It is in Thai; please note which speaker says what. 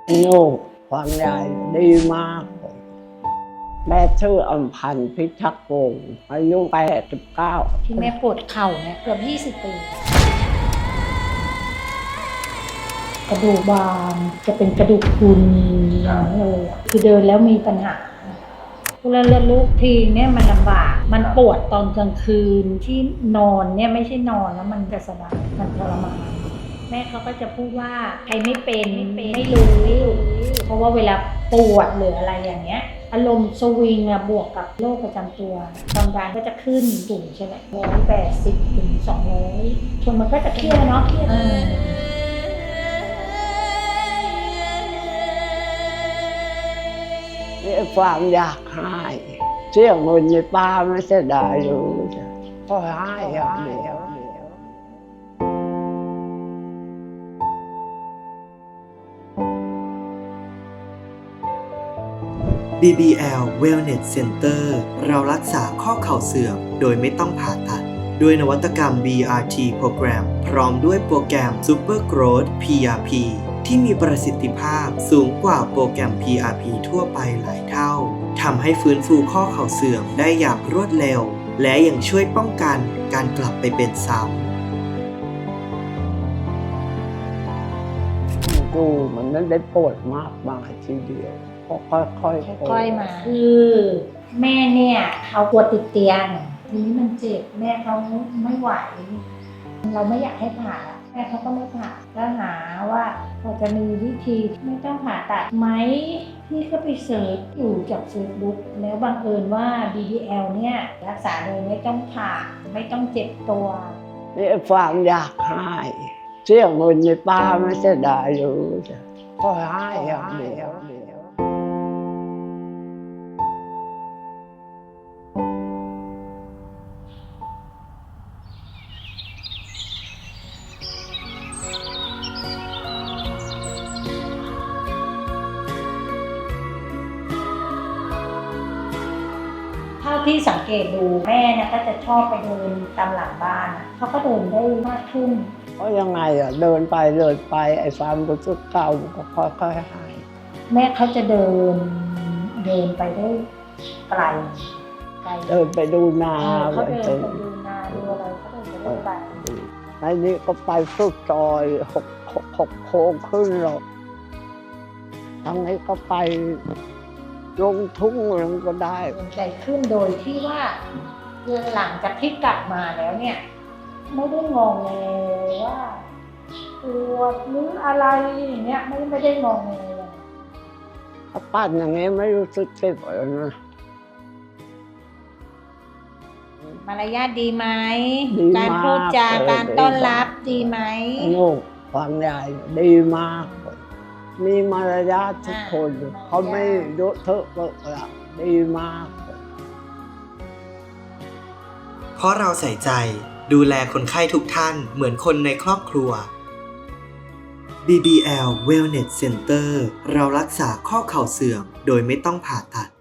Speaker 1: ลูกความใหญ่ดีมากแม่ชื่ออำพันธ์พิทักษ์วงศ์อายุ89
Speaker 2: ที่แม่ปวดเข่าเนี่ยเกือบ20 ปีกระดูกบางจะเป็นกระดูกพรุนเลยคือเดินแล้วมีปัญหาเวลาเลือดลุกทีเนี่ยมันลำบากมันปวดตอนกลางคืนที่นอนเนี่ยไม่ใช่นอนแล้วมันจะสบายมันทรมานแม่เขาก็จะพูดว่าใครไม่เป็นไม่รู้เพราะว่าเวลาปวดหรืออะไรอย่างเงี้ยอารมณ์สวิงอะบวกกับโรคประจำตัวความดันก็จะขึ้นสูงใช่ไหม180 ถึง 200คนมันก็จะเครียดเนาะ
Speaker 1: นี่ความอยากให้เสี่ยงเงินในป้าไม่เสียดายรู้ก็ให้อย่างเดียว
Speaker 3: BBL Wellness Center เรารักษาข้อเข่าเสื่อมโดยไม่ต้องผ่าตัดด้วยนวัตกรรม BRT โปรแกรมพร้อมด้วยโปรแกรม Super Growth PRP ที่มีประสิทธิภาพสูงกว่าโปรแกรม PRP ทั่วไปหลายเท่าทำให้ฟื้นฟูข้อเข่าเสื่อมได้อย่างรวดเร็วและยังช่วยป้องกันการกลับไปเป็นซ้ำ
Speaker 1: ดูมันไม่ได้ปวดมากมายทีเดียวก็ค่อย
Speaker 2: ๆมาคือแม่เนี่ยเขาปวดติดเตียงทีนี้มันเจ็บแม่เขาไม่ไหวเราไม่อยากให้ผ่าแม่เขาก็ไม่ผ่าก็หาว่าพอจะมีวิธีไม่ต้องผ่าตัดไหมพี่ก็ไปเสิร์ชอยู่จาก Facebook แล้วบังเอิญว่า BBL เนี่ยรักษาโดยไม่ต้องผ่าไม่ต้องเจ็บตัว
Speaker 1: นี่ความอยากให้เสี่ยงเงินในป้าไม่เสียดายรู้ก็ให้อย่างเดียว
Speaker 2: เท่าที่สังเกตดูแม่นะก็จะชอบไปเดินตามหลังบ้านเขาก็เดินได้มากขึ้น
Speaker 1: เพราะยังไงอ่ะเดินไปไอ้ความรู้สึกเก่าก็ค่อยๆหาย
Speaker 2: แม่เขาจะเดินไปได้ไกล
Speaker 1: เดินไปดูนา
Speaker 2: เขาเดินไปดูนาดูอะไรเขาเดินไปได้ไกล
Speaker 1: ในนี้ก็ไปสุดซอยหกโค้งขึ้นหรอกทางนี้ก็ไปลงทุ่งลงก็ได้
Speaker 2: ใจขึ้นโดยที่ว่าหลังจากที่กลับมาแล้วเนี่ยไม่ได้งงเลยว่าปวดหรืออะไรอย่างเงี้ยไม่ได้งงเลย
Speaker 1: ถ้าปั้นอย่างนี้ไม่รู้สึกเจ็บเลยนะ
Speaker 2: มารยาทดีไหมการพูดจาการต้อนรับดีไหม
Speaker 1: ลูกความใหญ่ดีมากมีมารยาททุกคนเขาไม่เยอะเทอะเปิดละดีมาก
Speaker 3: เพราะเราใส่ใจดูแลคนไข้ทุกท่านเหมือนคนในครอบครัว BBL Wellness Center เรารักษาข้อเข่าเสื่อมโดยไม่ต้องผ่าตัด